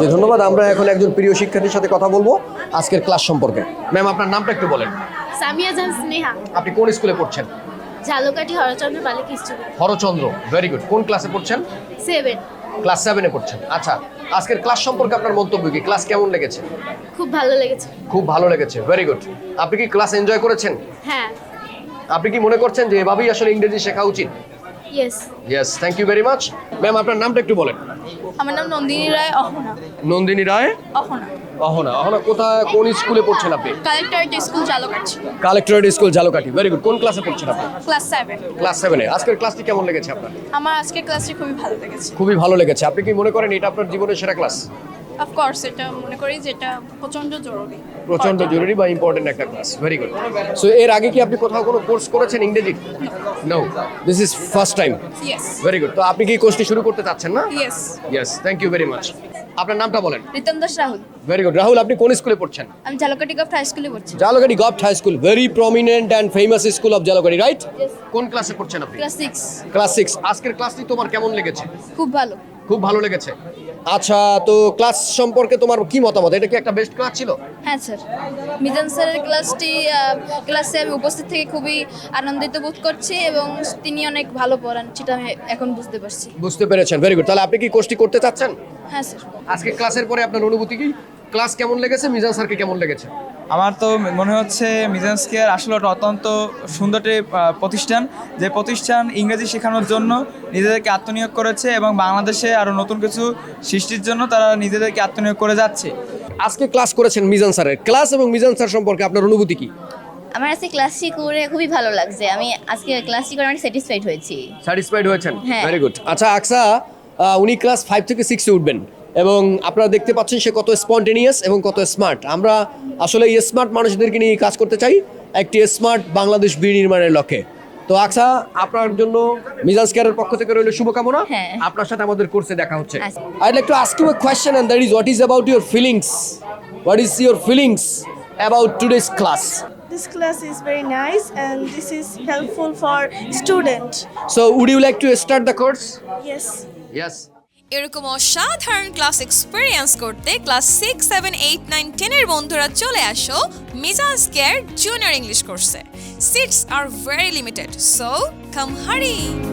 যে ধন্যবাদ। আমরা এখন একজন প্রিয় শিক্ষার্থীর সাথে কথা বলবো আজকের ক্লাস সম্পর্কে। ম্যাম, আপনার নামটা একটু বলেন। সামিয়া জাহান স্নেহা, আপনি কোন স্কুলে পড়ছেন? ঝালকাঠি হরচন্দ্র বালিকা স্কুল, হরচন্দ্র, ভেরি গুড। কোন ক্লাসে পড়ছেন? 7। ক্লাস 7-এ পড়ছেন। আচ্ছা, আজকের ক্লাস সম্পর্কে আপনার মন্তব্য কি? ক্লাস কেমন লেগেছে? খুব ভালো লেগেছে। খুব ভালো লেগেছে, ভেরি গুড। আপনি কি ক্লাস এনজয় করেছেন? হ্যাঁ। আপনি কি মনে করছেন যে এভাবেই আসলে ইংরেজি শেখা উচিত? Yes. Yes, thank you very much. Ma'am, আপনার নামটা একটু বলেন। আমার নাম নন্দিনী রায় অহনা। নন্দিনী রায় অহনা। অহনা। অহনা কোথায়, কোন স্কুলে পড়ছেন আপনি? Collectorate school Jhalakathi. Collectorate school Jhalakathi, very good. কোন ক্লাসে পড়ছেন আপনি? ক্লাস 7। ক্লাস 7-এ। আজকের ক্লাসটি কেমন লেগেছে আপনার? আমার আজকের ক্লাসটি খুবই ভালো লেগেছে। খুবই ভালো লেগেছে। আপনি কি মনে করেন এটা আপনার জীবনের সেরা ক্লাস? অফকোর্স, এটা মনে করি যেটা প্রচন্ড জরুরি। প্রচন্ড জরুরি বা ইম্পর্টেন্ট একটা ক্লাস, ভেরি গুড। সো এর আগে কি আপনি কোথাও কোনো কোর্স করেছেন ইংরেজি? No, this is first time. Yes. Very good. তো আপনি কি কোর্সটি শুরু করতে চাচ্ছেন না? Yes. Yes, thank you very much. আপনার নামটা বলেন। রিতম দাস রাহুল। Very good. রাহুল, আপনি কোন স্কুলে পড়ছেন? আমি ঝালকাঠি গভর্নমেন্ট হাই স্কুলে পড়ছি। Jhalakathi government high school, very prominent and famous school of Jhalakathi, right? Yes. কোন ক্লাসে পড়ছেন আপনি? ক্লাস 6। ক্লাস 6। আজকের ক্লাসটি তোমার কেমন লেগেছে? খুব ভালো। খুব ভালো লেগেছে। আচ্ছা, তো ক্লাস সম্পর্কে তোমার কি মতামত? এটা কি একটা বেস্ট ক্লাস ছিল? হ্যাঁ স্যার, মিজান স্যারের ক্লাসে আমি উপস্থিত থেকে খুবই আনন্দিত বোধ করছি এবং তিনি অনেক ভালো পড়ান, সেটা আমি এখন বুঝতে পারছি। বুঝতে পেরেছেন, ভেরি গুড। তাহলে আপনি কি কোর্সটি করতে চাচ্ছেন? হ্যাঁ স্যার। আজকে ক্লাসের পরে আপনার অনুভূতি কি? ক্লাস কেমন লেগেছে? মিজান স্যারকে কেমন লেগেছে? আমার তো মনে হচ্ছে মিজান স্কেয়ার আসলে একটা অত্যন্ত সুন্দর একটি প্রতিষ্ঠান, যে প্রতিষ্ঠান ইংরেজি শেখানোর জন্য নিজেদেরকে আত্মনিয়োগ করেছে এবং বাংলাদেশে আরও নতুন কিছু সৃষ্টির জন্য তারা নিজেদেরকে আত্মনিয়োগ করে যাচ্ছে। আজকে ক্লাস করেছেন মিজান স্যারের। ক্লাস এবং মিজান স্যার সম্পর্কে আপনার অনুভূতি কি? আমার আজকে ক্লাসটি করে খুবই ভালো লাগছে। আমি আজকে ক্লাসটি করে অনেক স্যাটিসফাইড হয়েছি। স্যাটিসফাইড হয়েছেন? হ্যাঁ। Very good. আচ্ছা আকসা, উনি ক্লাস 5 থেকে 6-এ উঠবেন এবং আপনারা দেখতে পাচ্ছেন সে কত স্পন্টেনিয়াস এবং কত স্মার্ট। আমরা আসলে এই স্মার্ট মানুষদেরকে নিয়ে কাজ করতে চাই একটি স্মার্ট বাংলাদেশ বিনির্মাণের লক্ষ্যে। তো আকসা, আপনার জন্য মিজান স্কেয়ারের পক্ষ থেকে রইল শুভকামনা। হ্যাঁ। আপনার সাথে আমাদের কোর্সে দেখা হচ্ছে। আচ্ছা। I'd like to ask you a question, and that is, what is about your feelings? What is your feelings about today's class? This class is very nice and this is helpful for student. So, would you like to start the course? Yes. Yes. এরকম অসাধারণ class experience করতে class 6, 7, 8, 9, 10 এর বন্ধুরা চলে আসো Mizan square junior English কোর্সে। Seats are very limited, so come হারি।